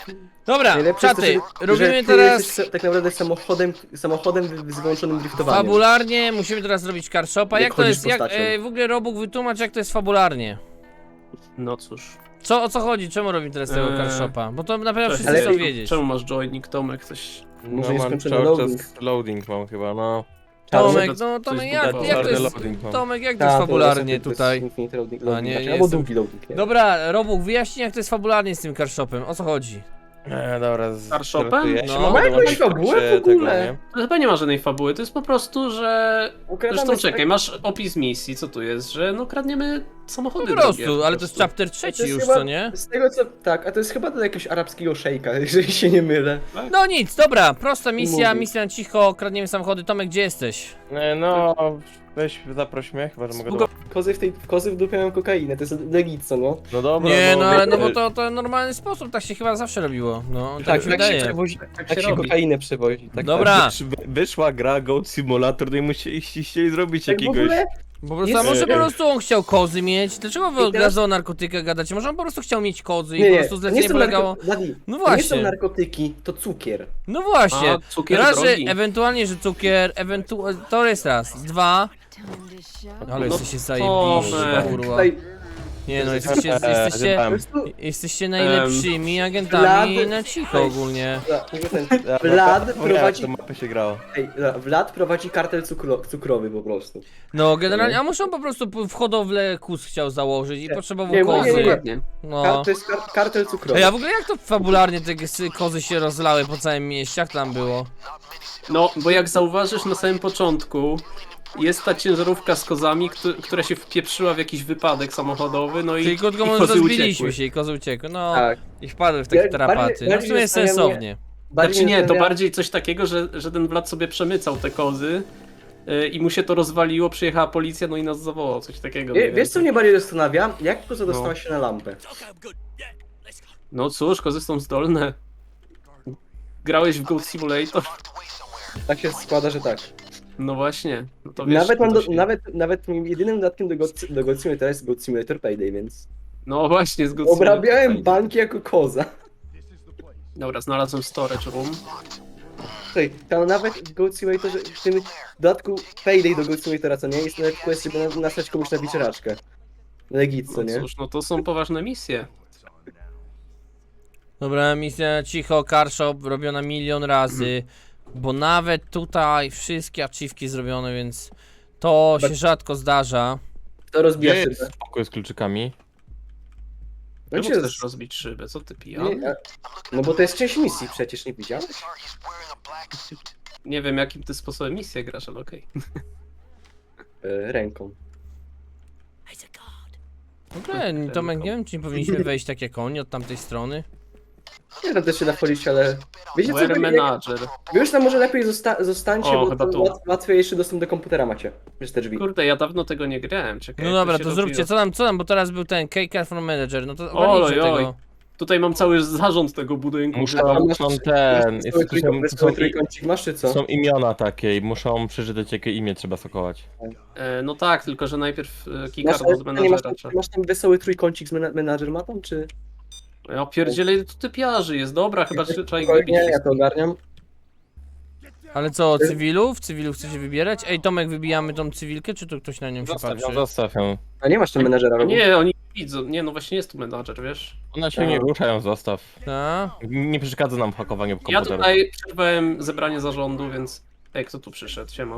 Dobra, Najlepsze jest to, czaty, że robimy ty teraz... jesteś tak naprawdę samochodem z wyłączonym driftowaniem. Fabularnie musimy teraz zrobić car shopa. Jak Jak to chodzisz jest, jak, postacią. w ogóle Robóg wytłumacz jak to jest fabularnie. No cóż. O co chodzi? Czemu robimy teraz tego car shopa? Bo to na pewno wszyscy ale- chcą wiedzieć. Czemu masz joynik, Tomek? Coś... Może No jest mam skończony cały loading. czas loading mam chyba, no. Tomek, Coś no Tomek, jak zbudowało. to Czarny jest... loading mam. Tomek, jak to Tak, jest to fabularnie jest tutaj? Infinite loading, A, nie, albo jestem- długi loading, nie? Dobra, Robóg, wyjaśnij jak to jest fabularnie z tym car shopem. O co chodzi? Dobra, Car shopem? startuję. No. Się Ma mogę jakąś dołączyć w fabułę trakcie w ogóle? tego, nie? To chyba nie ma żadnej fabuły, to jest po prostu, że... Ukradamy Zresztą sobie- czekaj, masz opis misji, co tu jest? Że no kradniemy samochody Po drogie, prostu, ale to jest chapter To trzeci jest już, chyba- co nie? Z tego co... Tak, a to jest chyba do jakiegoś arabskiego szejka, jeżeli się nie mylę. No nic, dobra, prosta misja, Mówię. misja na cicho, kradniemy samochody. Tomek, gdzie jesteś? No, weź zaproś mnie, chyba że mogę Spoko- dołączyć. Kozy w dupie mają kokainę, to jest legit, co no? No dobra, Nie, no ale no bo to... to normalny sposób, tak się chyba zawsze robiło. No, tak Tak, mi się wydaje. Tak się robi. kokainę przewozi. Tak, Dobra, Wyszła gra Goat Simulator, no i chcieli zrobić tak w jakiegoś... ogóle po prostu, Jest- a może po prostu on chciał kozy mieć? Dlaczego wy I od teraz- razu o narkotykach gadacie? Może on po prostu chciał mieć kozy i Nie, po nie, prostu to nie zlecenie są polegało... Bladi, No to nie są właśnie, narkotyki, to cukier. no właśnie. A, cukier Raz, że drogi. ewentualnie, że cukier, to jest raz. Dwa, ale No jesteście Tomek. zajebiści, kurwa. Tutaj Nie no, Po jesteście prostu jesteście najlepszymi agentami na cicho ogólnie. Vlad prowadzi... Do mapy się grało. Ej, Vlad prowadzi kartel cukrowy po prostu. No generalnie, a może on po prostu w hodowlę kus chciał założyć i potrzebował Nie, kozy. nie. Dokładnie. No. To jest kartel cukrowy. Ej, a w ogóle jak to fabularnie te kozy się rozlały po całym mieście? Jak tam było? No, bo jak zauważysz na samym początku, jest ta ciężarówka z kozami, która się wpieprzyła w jakiś wypadek samochodowy, no Czyli i krótko i mówiąc, kozy rozbiliśmy uciekły. się i kozy uciekły. No, Tak. i wpadły w takie Ja- tarapaty. bardziej- No w sumie bardziej sensownie. Znaczy nie, to zastanawia- bardziej coś takiego, że ten Vlad sobie przemycał te kozy i mu się to rozwaliło, przyjechała policja, no i nas zawołał, coś takiego. mniej Wiesz co więcej. mnie bardziej zastanawia? Jak koza dostała się na lampę? No cóż, kozy są zdolne. Grałeś w Goat Simulator? Tak się składa, że tak. No właśnie. No to wiesz, Nawet, mam to się... nawet moim jedynym dodatkiem do God Simulator jest God Simulator Payday, więc... No właśnie, z Goat Obrabiałem Simulator. banki jako koza. Dobra, znalazłem storage room. Słuchaj, tam nawet w God Simulatorze, w tym dodatku Payday do God Simulatora, co nie? Jest nawet quest, żeby nasłać komuś na wieczeraczkę. Legit, co No nie? cóż, no to są poważne misje. Dobra, misja cicho, car shop robiona milion razy. Bo nawet tutaj wszystkie achievki zrobione, więc to się rzadko zdarza. To rozbija Gdzie jest szybę. spokój z kluczykami? No, Czemu się chcesz rozbić szybę? Co ty nie, pijany? no bo to jest część misji przecież, nie widziałeś? Nie wiem jakim ty sposobem misję grasz, ale okej. Ręką. W ogóle, Tomek, nie wiem, czy nie powinniśmy wejść tak jak oni od tamtej strony. Nie tam też się da wchodzić, ale... Wiecie co? Where Jak, manager. wy już tam może lepiej zostańcie, O, bo chyba to tu. łatwiejszy dostęp do komputera macie. Przez te drzwi. Kurde, ja dawno tego nie grałem, czekaj. No jak dobra, się to robiło. zróbcie, co tam, bo teraz był ten K-Car from Manager, no to Oj, ogarnijcie oj. tego. Tutaj mam cały zarząd tego budynku. Muszą ten... Trójkącik masz czy co? Są imiona takie i muszą przeczytać jakie imię trzeba sokować. No tak, tylko że najpierw Masz, keycard od nie masz, menadżera trzeba. masz tam wesoły trójkącik z menadżer ma tam, czy? Ja pierdzielę, ile tu typiarzy jest. Dobra, chyba trzeba ich wybić. Spokojnie, ja to wszystkich. ogarniam. Ale co, cywilów? Cywilów chcecie wybierać? Ej, Tomek, wybijamy tą cywilkę, czy tu ktoś na nią się patrzy? Zostaw ją. A nie masz tam menadżera, Robu? Nie, oni widzą. Nie, no właśnie jest tu menadżer, wiesz. Ona się nie rusza, ją zostaw. Ta? Nie przeszkadza nam w hakowaniu Ja komputerów. tutaj przerwałem zebranie zarządu, więc... Ej, kto tu przyszedł? Siema.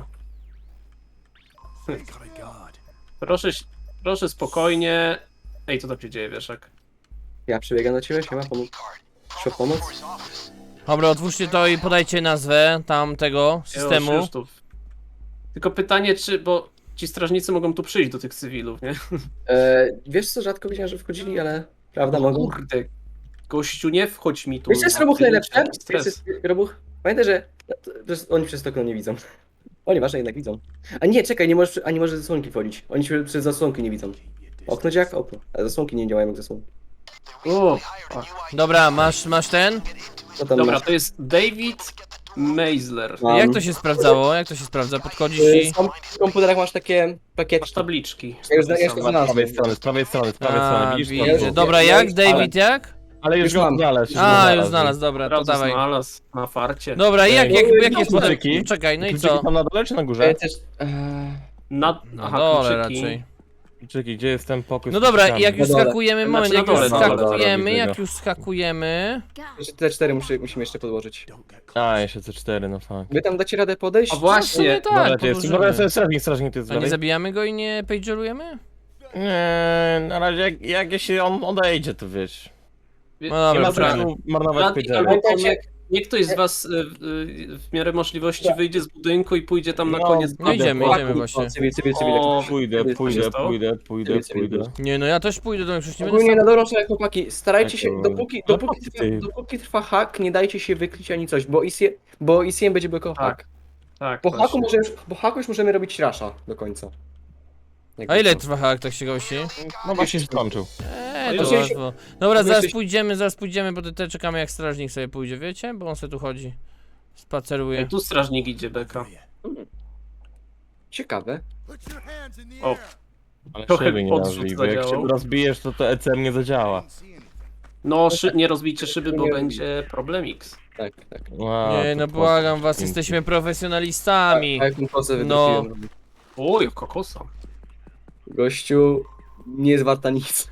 Proszę, proszę spokojnie. Ej, co tam się dzieje, wieszak? Ja przebiegam do ciebie, siema, Proszę pomoc. Dobra, otwórzcie to i podajcie nazwę tamtego systemu. Już tu. Tylko pytanie, czy... Bo ci strażnicy mogą tu przyjść do tych cywilów, nie? Wiesz co, rzadko widziałem, że wchodzili, ale prawda mogą. Kurde. Gościu, nie wchodź mi tu. Wiesz co jest Robuch Ty, najlepsze? taki Wiesz, stres. jest Robuch? Pamiętaj, że oni przez to okno nie widzą. O, nieważne, jednak widzą. A nie, czekaj, nie możesz zasłonki wchodzić. Oni się przez zasłonki nie widzą. Okno działa jak okno, a zasłonki nie działają jak zasłonki. O, Dobra, masz ten? Co tam dobra, masz? to jest David Meisler. Mam. Jak to się sprawdzało? Jak to się sprawdza? Podchodzisz i... W komputerach masz takie Masz pakiety. tabliczki. Ja już Z prawej strony, z prawej strony, z prawej A, strony, widzisz? widzę. Dobra, jak? David jak? Ale już Już go mam. znalazł. A, już znalazł, dobra, to Razu dawaj. znalazł na farcie. Dobra, jak jest kluczyki. plan? Czekaj, no i Kluczyki co? tam na dole czy na górze? Też, Na Na dole kluczyki. raczej. Kluczyki, gdzie jest ten pokój? No z dobra, kluczykami? jak już Na dole. skakujemy, moment, Znaczy jak na już dole, dobra, skakujemy, widzę jak go. już skakujemy... jeszcze te 4 musimy jeszcze podłożyć. A, jeszcze C4, no fuck. Wy tam dacie radę podejść? A Nie, właśnie, tak, Dobra, to jest. Dobra, podłożymy. strażnik to jest A nie dalej. zabijamy go i nie pagerujemy? Nie, na razie jak jeśli on odejdzie, to wiesz. No Nie dobra, ma poczekamy. sensu marnować Radek pagera. albo Pamiętajcie- Tomek, niech ktoś z was w miarę możliwości wyjdzie z budynku i pójdzie tam na No, koniec. No idziemy, Dobra, idziemy właśnie. Cywil. O, Pójdę. Nie, no ja też pójdę do mnie, przecież nie będę Ogólnie sam. na dobrą sprawę, chłopaki, starajcie się, Tak, dopóki trwa hak, nie dajcie się wykryć ani coś, bo ICM będzie blokował hak. tak. Po właśnie. haku już możemy robić rasha do końca. Jak A ile to? trwa hak, tak się gości? No właśnie się skończył. To Właśnie- łatwo. Dobra, Właśnie- zaraz pójdziemy, bo te czekamy jak strażnik sobie pójdzie, wiecie? Bo on sobie tu chodzi. Spaceruje. Tu strażnik idzie, Beka. Ciekawe. O, Ale Trochę szyby nie podrzut nazwij, bo jak zadziałał. się rozbijesz, to ECM nie zadziała. no nie rozbijcie szyby, bo Nie będzie problem X. Tak. A, Nie, to no po- błagam was, jesteśmy profesjonalistami. Tak, jak kosę No. wydrukiłem. Oj, kokosa. Gościu, nie jest warta nic.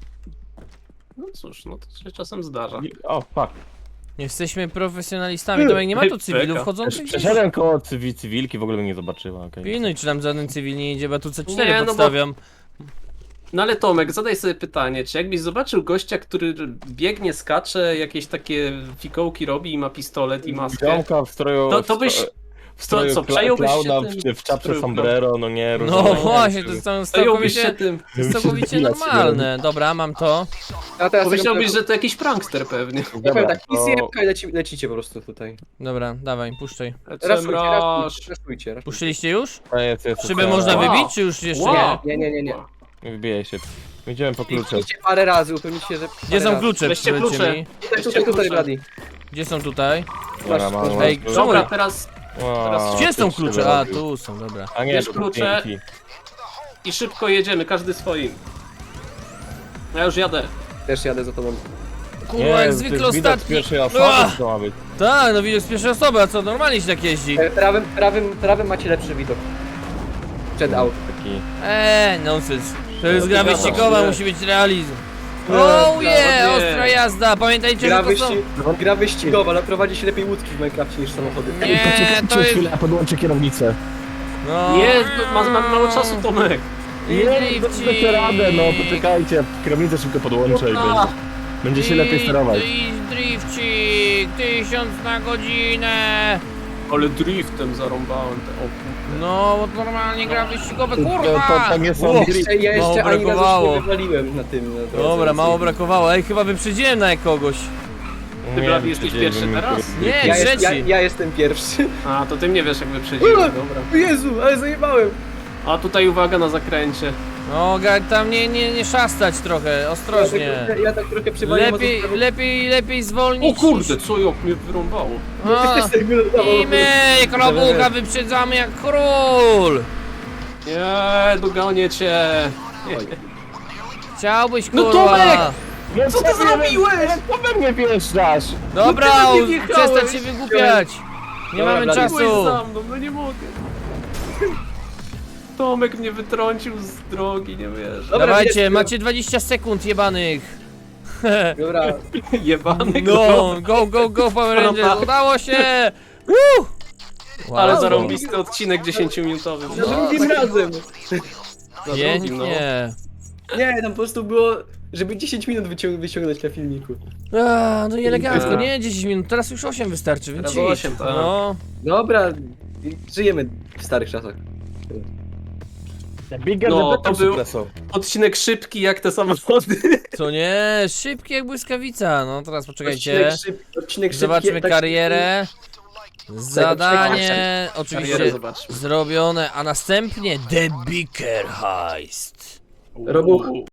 No cóż, no to się czasem zdarza. O, fuck. Jesteśmy profesjonalistami. Tomek, nie ma tu cywilów Czeka. chodzących gdzieś? Przeszedłem koło cywilki, w ogóle mnie nie zobaczyła, okej. Pilnuj, czy tam żaden cywil nie idzie, bo ja tu C4 Nie, no bo- podstawiam. No ale Tomek, zadaj sobie pytanie, czy jakbyś zobaczył gościa, który biegnie, skacze, jakieś takie fikołki robi i ma pistolet i maskę, Ziomka w stroju... to byś... W stroju co, przejąłbyś się klauna, tym? w czapce Stroju sombrero, no nie, No rozumiem. właśnie, to jest tam Przejąłbyś się całkowicie, tym. to jest całkowicie normalne. Dobra, mam to. A teraz Pomyślałbyś, że to jakiś prankster pewnie. Ja powiem Dobra, tak, to... ICM lecicie po prostu tutaj. Dobra, dawaj, puszczaj. Raszujcie. Puszczyliście już? Jest, Szyby można Wow. wybić, czy już jeszcze Wow. nie? Nie. Wybijaj się. Idziemy po klucze. Kliknijcie parę razy, upewnicie się, że... Gdzie są klucze? Weźcie Powiedzcie klucze. mi. Tutaj, Bladi. Gdzie są tutaj? Dobra, mam. Ej, mam- czemu- Dobra, teraz Wow, Gdzie są ty klucze? szyby A, robił. tu są, dobra. A nie, Bierz to klucze. dzięki. i szybko jedziemy, każdy swoim. Ja już jadę. Też jadę za tobą. Kurwa, jak to jest zwykle widok z ostatni. pierwszej osoby, Ach! co to ma być. Tak, no widok z pierwszej osoby, a co, normalnie się tak jeździ. Prawym macie lepszy widok. Przed aut. Taki... Nonsens. To jest gra Wiadomo, wyścigowa, nie. musi być realizm. Nie, Oh nie. yeah, ostra jazda, pamiętajcie, że to są... Gra wyścigowa, ale prowadzi się lepiej łódki w Minecrafcie niż samochody. Nie, to jest... podłączę kierownicę. No, Nie, mam mało czasu, Tomek. drifcik. radę, no poczekajcie. Kierownicę szybko podłączę i będzie się lepiej sterować. Drifcik, 1000 na godzinę. Ale driftem zarąbałem te oku. No, bo normalnie gra wyścigowa, To kurwa! tam jest Wow. Ja Mało jeszcze ani razu brakowało. się nie wywaliłem na tym. Na drodze, Dobra, więc- mało brakowało. Ej, chyba wyprzedziłem na kogoś. Ty, Blady, jesteś pierwszy teraz? Nie, trzeci. Ja jestem pierwszy. A, to ty mnie wiesz jak wyprzedziłem, dobra. Jezu, ale zajebałem. A tutaj uwaga na zakręcie. No, tam nie szastać trochę, ostrożnie. Ja tak trochę przywaliłem. Lepiej zwolnić. O kurde, co jak mnie wyrąbało. A, I my, krobucha, wyprzedzamy jak król. Nie, dogonię cię. Chciałbyś, No, kurwa. Tomek! No Co ty zrobiłeś? Co we mnie wjeżdżasz? Dobra, No ty we mnie wjechałeś. przestać się wygłupiać. Nie Dobra, mamy Blady, czasu. Byłeś za mną, no nie mogę. Tomek mnie wytrącił z drogi, nie wiesz. Dobra, Dawajcie, jest- macie 20 sekund jebanych. Dobra, Jebany No, go, Power Rangers, udało się! Woo! Wow. Ale zarąbisty odcinek 10-minutowy. za drugim razem. no. Pięknie. Nie, tam po prostu było, żeby 10 minut wyciągnąć na filmiku. No i elegancko, nie 10 minut, teraz już 8 wystarczy, więc Teraz idź. 8, tak. No, Dobra, żyjemy w starych czasach. Bigger No, the to better, był- Supresso. Odcinek szybki jak te samochody. co nie, szybki jak błyskawica, no teraz poczekajcie. Odcinek szybki, Zobaczmy tak karierę. Zadanie Karierę oczywiście zobaczmy. zrobione, a następnie The Biker Heist. Robuch.